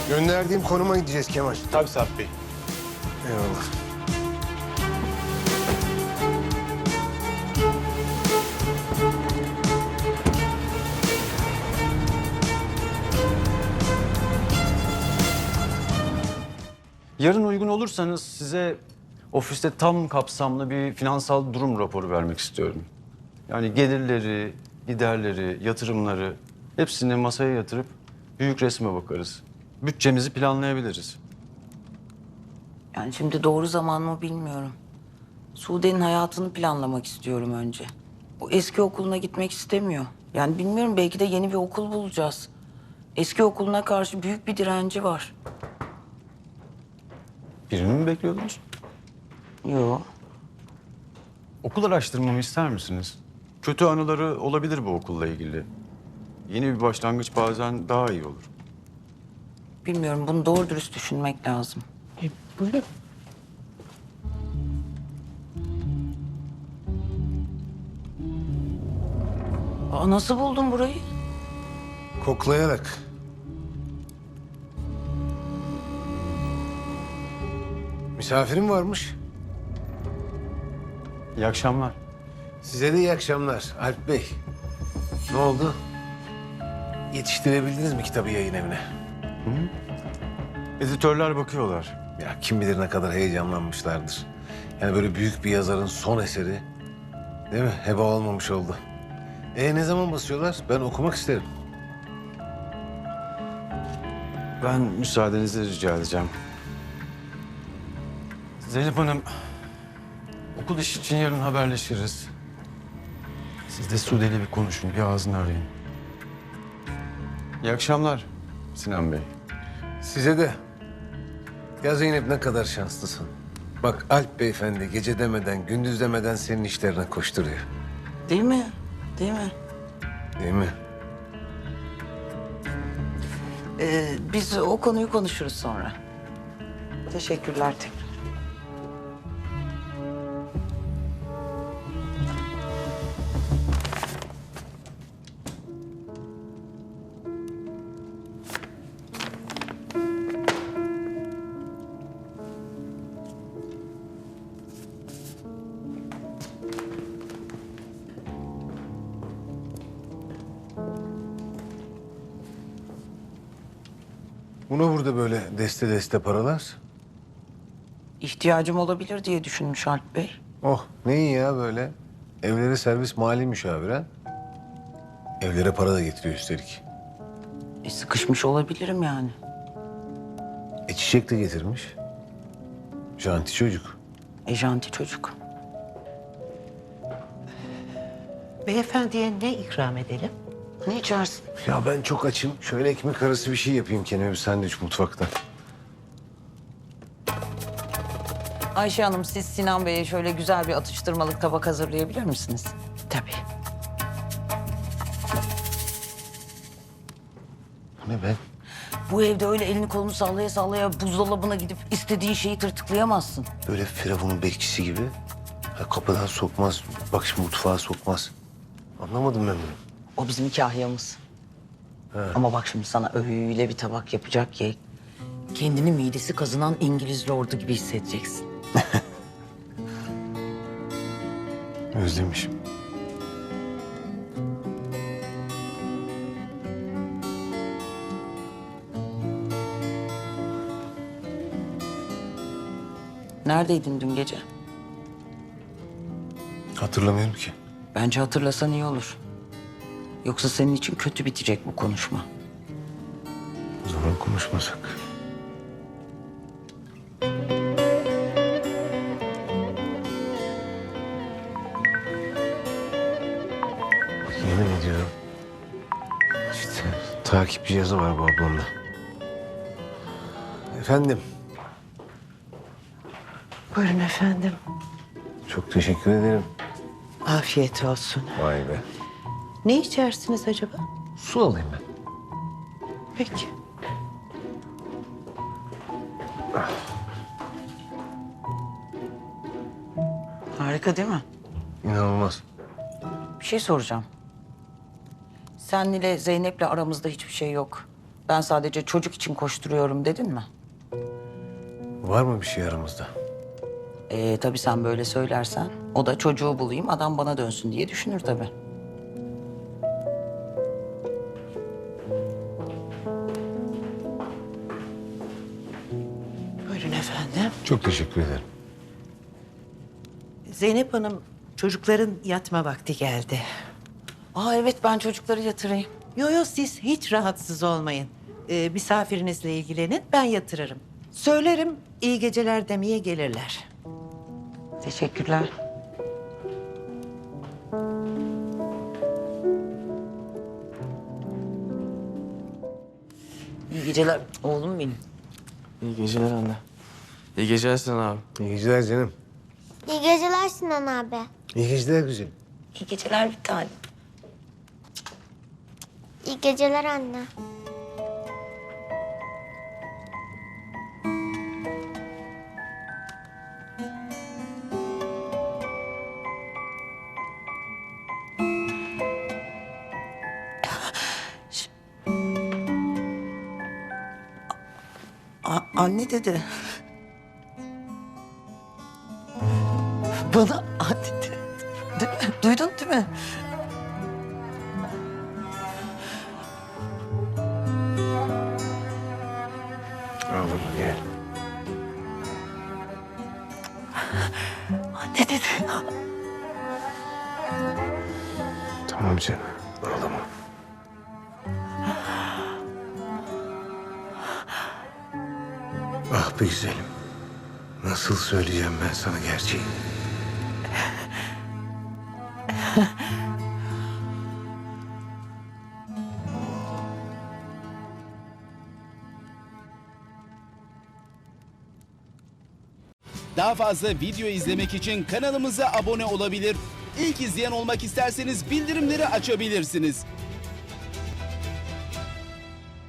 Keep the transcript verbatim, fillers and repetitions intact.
Gönderdiğim konuma gideceğiz Kemal. Tabii Sarp Bey. Eyvallah. Yarın uygun olursanız size ofiste tam kapsamlı bir finansal durum raporu vermek istiyorum. Yani gelirleri, giderleri, yatırımları hepsini masaya yatırıp büyük resme bakarız. Bütçemizi planlayabiliriz. Yani şimdi doğru zaman mı bilmiyorum. Sude'nin hayatını planlamak istiyorum önce. O eski okuluna gitmek istemiyor. Yani bilmiyorum, belki de yeni bir okul bulacağız. Eski okuluna karşı büyük bir direnci var. Birini mi bekliyordunuz? Yo. Okul araştırmamı ister misiniz? Kötü anıları olabilir bu okulla ilgili. Yeni bir başlangıç bazen daha iyi olur. Bilmiyorum, bunu doğru dürüst düşünmek lazım. E, buyurun. Aa, nasıl buldun burayı? Koklayarak. Misafirim varmış. İyi akşamlar. Size de iyi akşamlar Alp Bey. Ne oldu? Yetiştirebildiniz mi kitabı yayın evine? Editörler bakıyorlar. Ya kim bilir ne kadar heyecanlanmışlardır. Yani böyle büyük bir yazarın son eseri, değil mi? Heba olmamış oldu. E ne zaman basıyorlar? Ben okumak isterim. Ben müsaadenizi rica edeceğim. Zeynep Hanım, okul işi için yarın haberleşiriz. Siz de Sude'yle bir konuşun, bir ağzını arayın. İyi akşamlar Sinan Bey. Size de. Ya Zeynep, ne kadar şanslısın. Bak Alp Beyefendi gece demeden, gündüz demeden senin işlerine koşturuyor. Değil mi? Değil mi? Değil mi? Ee, biz o konuyu konuşuruz sonra. Teşekkürler tekrar. Buna burada böyle deste deste paralar. İhtiyacım olabilir diye düşünmüş Alp Bey. Oh ne iyi ya böyle. Evlere servis mali müşavir. Evlere para da getiriyor üstelik. E, sıkışmış olabilirim yani. E çiçek de getirmiş. Janti çocuk. E, janti çocuk. Beyefendiye ne ikram edelim? Ne içersin? Ya ben çok açım. Şöyle ekmek arası bir şey yapayım kendime, bir sandviç mutfakta. Ayşe Hanım, siz Sinan Bey'e şöyle güzel bir atıştırmalık tabak hazırlayabilir misiniz? Tabii. Bu ne be? Bu evde öyle elini kolunu sallaya sallaya buzdolabına gidip istediğin şeyi tırtıklayamazsın. Böyle Firavun'un bekçisi gibi. Ha, kapıdan sokmaz. Bak şimdi mutfağa sokmaz. Anlamadım ben bunu. O bizim kahyamız. Ama bak şimdi sana öyle bir tabak yapacak ki... ...kendini midesi kazınan İngiliz lordu gibi hissedeceksin. Özlemişim. Neredeydin dün gece? Hatırlamıyorum ki. Bence hatırlasan iyi olur. Yoksa senin için kötü bitecek bu konuşma. O zaman konuşmasak. Yemin ediyorum. İşte takip cihazı var bu ablamda. Efendim, Buyurun efendim. çok teşekkür ederim. Afiyet olsun. Vay be. Ne içersiniz acaba? Su alayım ben. Peki. Harika değil mi? İnanılmaz. Bir şey soracağım. Sen ile Zeynep'le aramızda hiçbir şey yok. Ben sadece çocuk için koşturuyorum dedin mi? Var mı bir şey aramızda? Ee, tabii sen böyle söylersen o da çocuğu bulayım adam bana dönsün diye düşünür tabii. Buyurun efendim. Çok teşekkür ederim. Zeynep Hanım, çocukların yatma vakti geldi. Aa evet ben çocukları yatırayım. Yo yo siz hiç rahatsız olmayın. Ee, misafirinizle ilgilenin, ben yatırırım. Söylerim, iyi geceler demeye gelirler. Teşekkürler. İyi geceler oğlum benim. İyi geceler anne. İyi geceler Sinan abi. İyi geceler canım. İyi geceler Sinan abi. İyi geceler güzelim. İyi geceler bir tane. İyi geceler anne. A- anne dedi. Bana anne dedi. Değil mi? Duydun değil mi? Al bunu gel. Anne dedi. Tamam canım. Ağlama. Ah be güzelim. Nasıl söyleyeceğim ben sana gerçeği? Daha fazla video izlemek için kanalımıza abone olabilir. İlk izleyen olmak isterseniz bildirimleri açabilirsiniz.